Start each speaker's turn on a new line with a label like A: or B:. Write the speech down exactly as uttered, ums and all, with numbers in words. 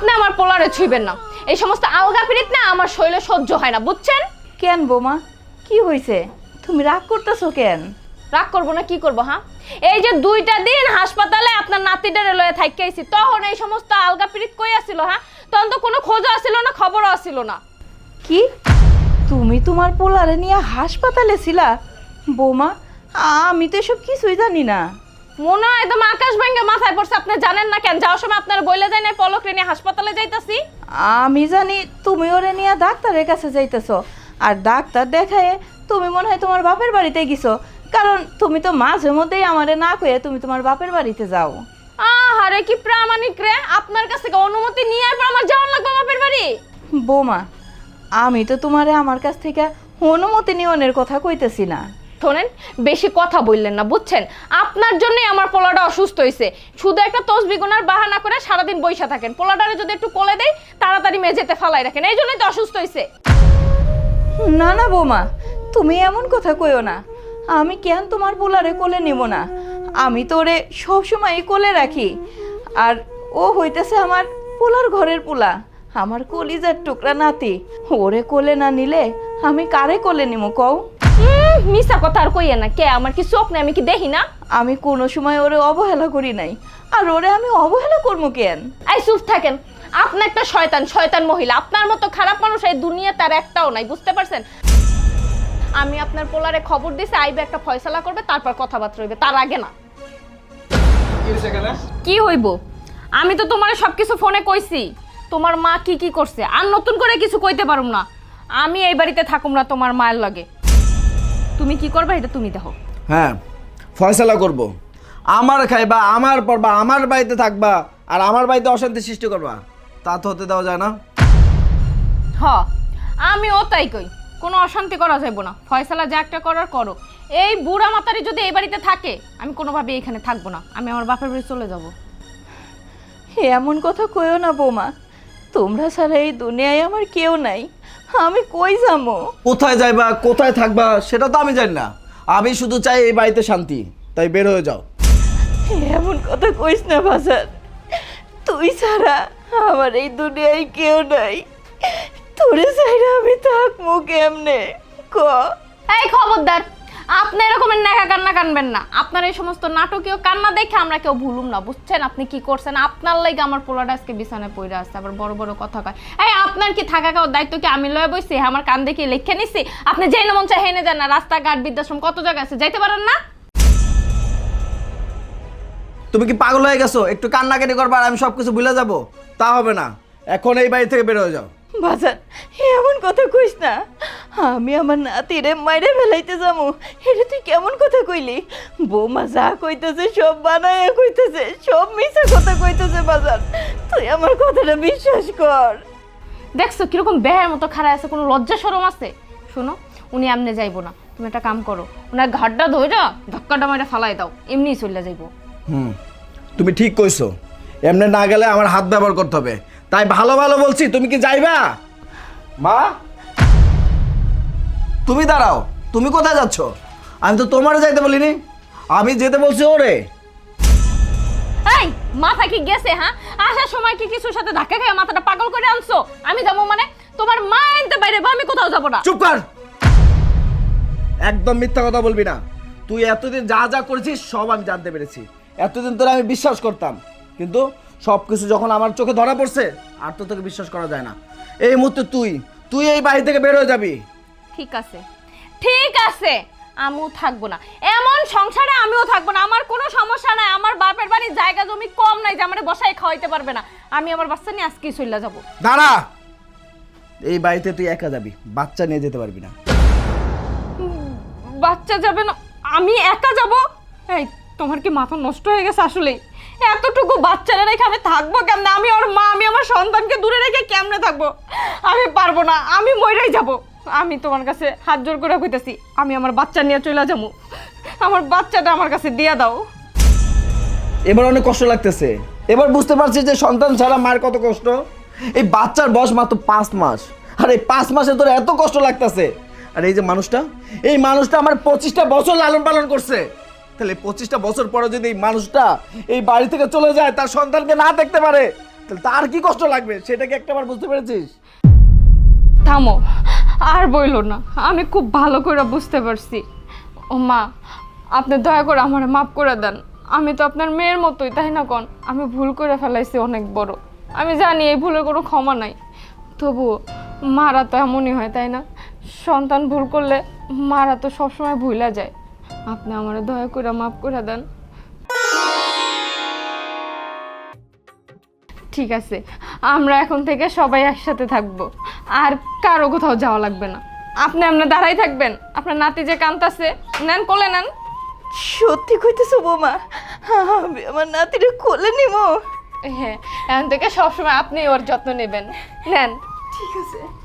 A: আপনি আমার পোলারে ছুঁইবেন না। এই সমস্ত আলগা পিরিত না আমার শরীরে সহ্য হয় না, বুঝছেন?
B: কেন বৌমা, কি হয়েছে? তুমি রাগ করতেছো কেন?
A: রাগ করবো না কি করবো? হ্যাঁ, এই যে দুইটা দিন হাসপাতালে আপনার নাতিটারে লয়ে থাইকাইছি, তখন এই সমস্ত আলগা পিরিত কই আসিল? হ্যাঁ, তখন তো কোনো খোঁজও আসিল না, খবরও আসিল না।
B: কি তুমি তোমার পোলারে নিয়ে হাসপাতালে ছিলা? বৌমা, আমি তো এসব কিছুই জানি না।
A: মনে হয় একদম আকাশ ভেঙে মাথায় পড়ছে। আপনি জানেন না কেন? যাওয়ার সময় আপনার বইলে যায় না পলক রে নিয়ে হাসপাতালে যাইতাছি।
B: আমি জানি তুমি ওরে নিয়ে ডাক্তারের কাছে যাইতেছো, আর ডাক্তার দেখায় তুমি মনে হয় তোমার বাপের বাড়িতে গেছো, কারণ তুমি তো মাঝে মধ্যেই আমারে না কয়ে তুমি তোমার বাপের বাড়িতে যাও।
A: আহারে কি প্রামাণিক রে! আপনার কাছ থেকে অনুমতি নিয়ে আর আমার যাওয়ার লাগবে বাপের বাড়ি?
B: বৌমা, আমি তো তোমারে আমার কাছ থেকে অনুমতি নিয়নের কথা কইতেছি না।
A: শোনেন, বেশি কথা বললেন না, বুঝছেন? আপনার জন্যই আমার পোলাটা অসুস্থ হয়েছে। শুধু একটা তসবি গুনার বাহানা করে সারাদিন বইসা থাকেন। পোলাটারে যদি একটু কোলে দেয় তাড়াতাড়ি মেঝেতে ফালাই রাখেন, এই জন্যই তো অসুস্থ হয়েছে।
B: না না বৌমা, তুমি এমন কথা কইও না। আমি কেন তোমার পোলারে কোলে নিব না? আমি তো ওরে সবসময় কোলে রাখি, আর ও হইতেছে আমার পোলার ঘরের পোলা, আমার কলিজার টুকরা নাতি। ওরে কোলে না নিলে আমি কারে কোলে নিব কও?
A: হুম, মিছা কথা আর কইয়া না। কে, আমার কি চোখ নেই? আমি কি দেখি না?
B: আমি কোনো সময় ওরে অবহেলা করি নাই, আর ওরে আমি অবহেলা করবো কেন?
A: এই চুপ থাকেন। আপনি একটা শয়তান, শয়তান মহিলা। আপনার মতো খারাপ মানুষ এই দুনিয়া তার একটাও নাই, বুঝতে পারছেন? আমি আপনার পোলারে খবর দিছি, আইবে একটা ফয়সালা করবে, তারপর কথাবার্তা হইবে, তার আগে না। কি হইব? আমি তো তোমারে সবকিছু ফোনে কইছি। তোমার মা কি কি করছে আর নতুন করে কিছু কইতে পারুম না। আমি এই বাড়িতে থাকুম না তোমার মায়ের লাগে। তুমি কি করবে এটা তুমি দেখো।
C: হ্যাঁ, ফয়সালা করব। আমার খাইবা, আমার পড়বা, আমার বাড়িতে থাকবা, আর আমার বাড়িতে অশান্তি সৃষ্টি করবা, তা তো হতে দেওয়া যায় না।
A: হ, আমিও তাই কই। কোনো অশান্তি করা যাইব না। ফয়সালা যা একটা করার করো। এই বুড়া মাতারি যদি এই বাড়িতে থাকে, আমি কোনোভাবে এখানে থাকবো না। আমি আমার বাপের বাড়ি চলে যাব।
B: এমন কথা কইও না বৌমা, তোমরা ছাড়া এই দুনিয়ায় আমার কেউ নাই। আমি কই যাবো?
C: কোথায় যাইবা, কোথায় থাকবা সেটা তো আমি জানি না। আমি শুধু চাই এই বাড়িতে শান্তি, তাই বের হয়ে যাও।
B: এমন কথা কইস না বাজার, তুই ছাড়া আমার এই দুনিয়ায় কেউ নাই। তোরে ছাড়া আমি থাকবো কেমনে ক?
A: এই খবরদার, আপনি এরকমের নেকা কান্না কানবেন না। আপনার এই সমস্ত নাটকীয় কান্না দেখে আমরা কেউ ভুলুম না, বুঝছেন? আপনি কি করছেন? আপনার লাগে আমার পোলাটা আজকে বিছানায় পড়ে আসছে, আবার বড় বড় কথা কয়। এই আপনার কি থাকা খাওয়ার দায়িত্ব কি আমি লয়ে বইছি? আমার কান দেখে লিখে নিছি? আপনি যেই না মন চাই হেনে যান না। রাস্তাঘাট, বৃদ্ধাশ্রম, কত জায়গা আছে, যাইতে পারেন না?
C: তুমি কি পাগল হয়ে গেছো? একটু কান্নাকাটি করবা আর আমি সব কিছু ভুলে যাবো? তা হবে না। এখন এই বাড়ি থেকে বের হয়ে যাও।
B: বাজার, এমন কথা কইস না। আমি আমার নাতিরে মাইরে ফেলাইতে যাবো, এটা তুই কেমন কথা কইলি? বৌমা যা কইতেছে সব বানায় কইতেছে, সব মিছা কথা কইতেছে। বাজার, তুই আমার কথাটা বিশ্বাস কর।
A: দেখছো কিরকম বেহের মতো খাড়া আছে? কোনো লজ্জা শরম আছে? শোনো, উনি এমনি যাইবো না। তুমি একটা কাম করো, ওনার ঘাটটা ধইরা ধাক্কাটা মাইরা ফালাই দাও, এমনিই চলে যাইবো।
C: হুম, তুমি ঠিক কইছো। এমনি না গেলে আমার হাত ব্যবহার করতে হবে। তাই ভালো ভালো বলছি, তুমি কি যাইবা? মা, তুমি দাঁড়াও। তুমি কোথায় যাচ্ছ? আমি তো তোমারে যাইতে বলিনি, আমি যেতে বলছি ওরে।
A: এই মাথা কি গেছে? হ্যাঁ, আসার সময় কি কিছুর সাথে ধাক্কা খেয়ে মাথাটা পাগল করে আনছো? আমি যাবো মানে? তোমার মা আনতে বাইরে, আমি কোথাও যাবো না।
C: চুপ কর, একদম মিথ্যা কথা বলবি না। তুই এতদিন যা যা করেছিস সব আমি জানতে পেরেছি। এতদিন তোরা আমি বিশ্বাস করতাম, কিন্তু সব কিছু যখন আমার চোখে ধরা পড়ছে আর তো তোকে বিশ্বাস করা যায় না। এই মুহূর্তে তুই তুই এই বাড়ি থেকে বের হয়ে যাবি।
A: ঠিক আছে, ঠিক আছে, আমিও থাকবো না এমন সংসারে। আমিও থাকবো না। আমার কোনো সমস্যা নাই। আমার বাপের বাড়ির জায়গা জমি কম নাই যে আমার বসায় খাওয়াইতে পারবে না। আমি আমার বাচ্চা নিয়ে আজকেই চলে যাবো।
C: দাঁড়া, এই বাড়িতে তুই একা যাবি, বাচ্চা নিয়ে যেতে পারবি না।
A: বাচ্চা যাবে না? আমি একা যাব? এই তোমার কি মাথা নষ্ট হয়ে গেছে আসলে? এতটুকু বাচ্চারা রেখে আমি থাকবো কেমনে? আমি ওর মা, আমি আমার সন্তানকে দূরে রেখে কেমনে থাকবো? আমি পারবো না, আমি মইরাই যাব। আমি তোমার কাছে হাত জোর করে কইতেছি, আমি আমার বাচ্চা নিয়ে চলে যাবো। আমার বাচ্চাটা আমার কাছে দিয়ে দাও।
C: এবার অনেক কষ্ট লাগতেছে। এবার বুঝতে পারছি যে সন্তান ছাড়া মায়ের কত কষ্ট। এই বাচ্চার বয়স মাত্র পাঁচ মাস, আর এই পাঁচ মাসে তোর এত কষ্ট লাগতেছে। আর এই যে মানুষটা, এই মানুষটা আমার পঁচিশটা বছর লালন পালন করছে। তাহলে পঁচিশটা বছর পরে যদি এই মানুষটা এই বাড়ি থেকে চলে যায়, তার সন্তানকে না দেখতে পারে, তাহলে তার কি কষ্ট লাগবে সেটা কি একটাবার বুঝতে পেরেছিস?
A: থামো, আর বইলো না, আমি খুব ভালো করে বুঝতে পারছি। ও মা, আপনি দয়া করে আমার মাফ করে দেন। আমি তো আপনার মেয়ের মতোই, তাই না কোন? আমি ভুল করে ফেলাইছি অনেক বড়। আমি জানি এই ভুলের কোনো ক্ষমা নাই, তবুও মারা তো এমনই হয়, তাই না? সন্তান ভুল করলে মারা তো সবসময় ভুলা যায়। আপনি আমার দয়া করে মাফ করে দেন। ঠিক আছে, আমরা এখন থেকে সবাই একসাথে থাকবো, আর কারো কোথাও যাওয়া লাগবে না। আপনি আপনার দাঁড়াই থাকবেন, আপনার নাতি যে কাঁদতাছে, নেন কোলে নেন।
B: সত্যি কইতেছো বৌমা? আমি আমার নাতিরে কোলে নিব?
A: হ্যাঁ, এখন থেকে সবসময় আপনি ওর যত্ন নেবেন। নেন।
B: ঠিক আছে।